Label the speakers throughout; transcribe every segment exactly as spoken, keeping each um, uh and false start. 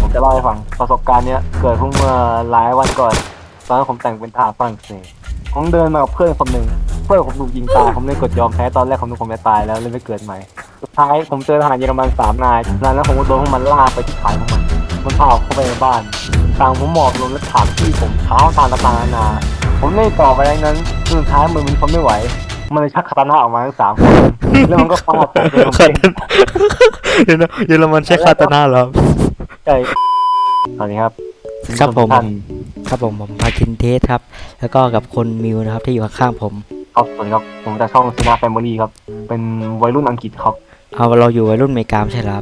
Speaker 1: จะเล่าให้ฟังประสบการณ์เนี้ยเกิดเพิ่งเมื่อหลายวันก่อนตอนนั้นผมแต่งเป็นทหารฝรั่งเศสผมเดินมากับเพื่อนคนหนึ่งเพื่อนผมถูกยิงตายผมเลยกดยอมแพ้ตอนแรกผมนึกผมจะตายแล้วเลยไม่เกิดใหม่สุดท้ายผมเจอทหารเยอรมันสามนายจากนั้นแล้วผมก็โดนพวกมันลากไปที่ฐานของมันมันพาผมเข้าไปในบ้านต่างผมหมอบลงและถามที่ผมเท้าทางต่างๆนานาผมไม่ตอบไปดังนั้นสุดท้ายมือมันทนไม่ไหวมันเลยชักคาตานะออกมาทั้งสามคนแล้วมันก็ฟาดผมเป็นลม
Speaker 2: คา
Speaker 1: เอง
Speaker 2: ตานะเดี๋ยวนะเยอรมันใช้คาตานะเหรอ
Speaker 1: ใช่สวัสดีครับ
Speaker 2: ครับผม
Speaker 1: ท่าน
Speaker 2: ครับผมผมพาคินเทสครับ แล้วก็กับคนมิวนะครับที่อยู่ข้างๆผม
Speaker 1: ครับสวัสดีครับผมจากช่องซีนาแฟมิลี่ครับเป็นวัยรุ่นอังกฤษครับ
Speaker 2: เอาเราอยู่วัยรุ่นอเมริกาไม่ใช่เหรอครับ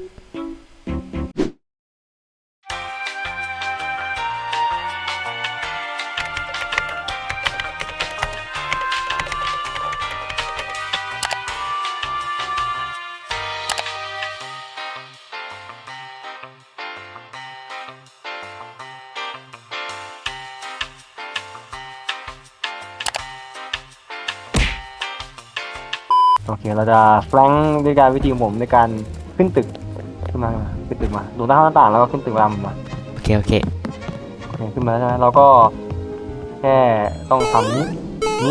Speaker 1: โอเคเราจะแฟลงด้วยการวิธีของผมในการขึ้นตึกขึ้นมาขึ้นตึกมาดูหน้าต่างแล้วก็ขึ้นตึกรำมา
Speaker 2: โอเคโอเค
Speaker 1: โอเคขึ้นมาแล้วใช่ไหมเราก็แค่ต้องทำนี้นี้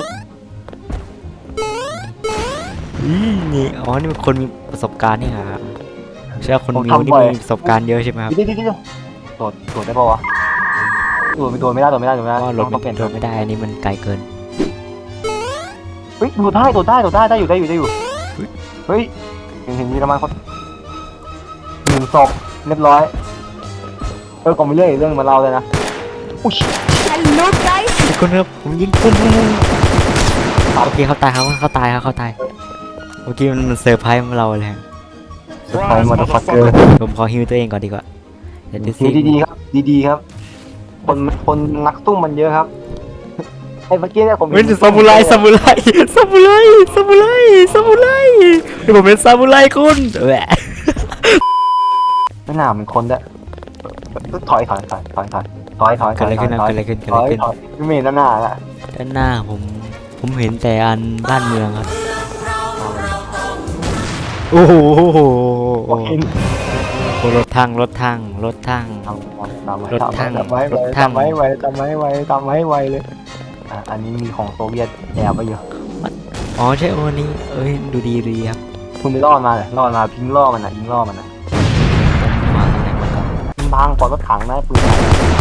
Speaker 2: อืมนี่อ๋อนี่เป็นคนมีประสบการณ์นี่ครับใช่ว่าคนมิวนี่มีประสบการณ์เยอะใช่ไหมครับ
Speaker 1: เดี๋ยวเดี๋ยวเดี๋ยวโดดโดดได้ปะวะโดดไม่โดดไม่ได้โดดไม่ได้โดดไม่ได้
Speaker 2: ก็รถ
Speaker 1: ต้องเปลี่ยน
Speaker 2: รถไม่ได้อันนี้มันไกลเกิน
Speaker 1: เฮ้ยโดดได้โดดได้โดดได้ได้อยู่ได้อยู่ได้อยู่เฮ้ยเห็นเห็นมีประมาณคนหนึ่งศพเรียบร้อยเออก่อนไปเรื่อยเรื่องมาเล่าเลยนะอุ้ย
Speaker 3: Hello guys
Speaker 2: ทุกคนครับผมยิงคนโอเคเขาตายเขาเขาตายเขาเขาตายเมื่อกี้มันมันเซอร์ไพรส์เราเลยฮะ
Speaker 1: ไฟมอเตอร์ฟัคเกอร์
Speaker 2: ผมขอฮิวตัวเองก่อนดีกว่าเดี๋ยวดูสิ
Speaker 1: ดีๆครับดีๆครับ คนคนนักสู้มันเยอะครับไอ้เมื่อกี้เนี่ยผม
Speaker 2: เป็นซามูไรซามูไรซามูไรซามูไรซามูไรเดี๋ยวผมเป็นซามูไรคุณแหวะ
Speaker 1: ไม่น่าเป็นคนด้วยถอยถอยถอยถอยถอยถอยถอยถ
Speaker 2: เกิด
Speaker 1: อย
Speaker 2: อะไรขึ้นนะ
Speaker 1: ถอย
Speaker 2: เกิดอะไรขึ้นเกิด
Speaker 1: ถ
Speaker 2: อะไร
Speaker 1: อย
Speaker 2: ขึ้น
Speaker 1: ถอยไม่มีด้านหน้าละ
Speaker 2: ด้านหน้าผมผมเห็นแต่อันบ้านเมืองครับโอ้โหโอ้โห
Speaker 1: โอ้ย
Speaker 2: รถทั้งรถทั้งรถทั้ง
Speaker 1: ทำทำไว้
Speaker 2: รถถัง
Speaker 1: ทำไว้
Speaker 2: รถถัง
Speaker 1: ทำไว้ไว้ทำไว้ไว้ทำไว้ไว้เลยอ่ะอันนี้มีของโซเวียตแอบไปอยู่
Speaker 2: อ๋อใช่โอ้นี่เอ้ยดูดีดูดีครับ
Speaker 1: คุณไปล่อมาเลยล่อมาพิงล่อมันอ่ะยิงล่อมันอ่ะ
Speaker 2: มาตรงไหนมาก่อน
Speaker 1: บางปอดรถถังนะปืนใหญ่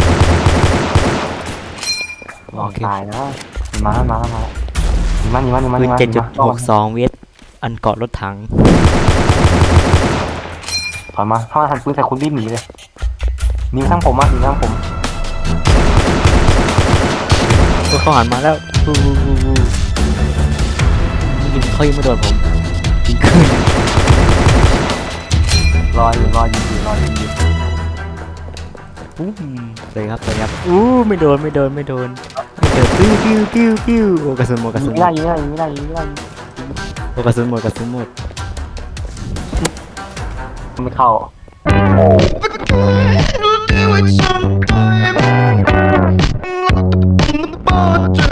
Speaker 1: ลองตายนะมาแล้วมาแล้วมาแล้วนี่มันนี่มันนี่มัน
Speaker 2: ปืนเจ็ดจุดหกสองเวทอันเกาะรถถัง
Speaker 1: ถอยมาถ้ามันหันปืนใส่คุณรีบหนีเลยหนีข้างผมอ่ะหนีข้างผม
Speaker 2: ก็เขาหันมาแล้วฮู้ฮู้ฮู้ฮู้ยิงเขายิงไม่โดนผมยิงขึ้น
Speaker 1: รออยู่รอยิงอยู่รอยิงอยู่
Speaker 2: อู้เลยครับเลยครับอู้ไม่โดนไม่โดนไม่โดนไม่โดนปิ้วปิ้วปิ้วปิ้วโอ้กระสุนหมดกระ
Speaker 1: ยิ
Speaker 2: สุ
Speaker 1: ง
Speaker 2: น
Speaker 1: ไม่ได้ยิงไม่ได้ยิงไม่ได้ยิงไม่ได้
Speaker 2: โอ้กระสุนหมดกระสุนหมด
Speaker 1: ไม่เข้า
Speaker 4: Do it sometime. The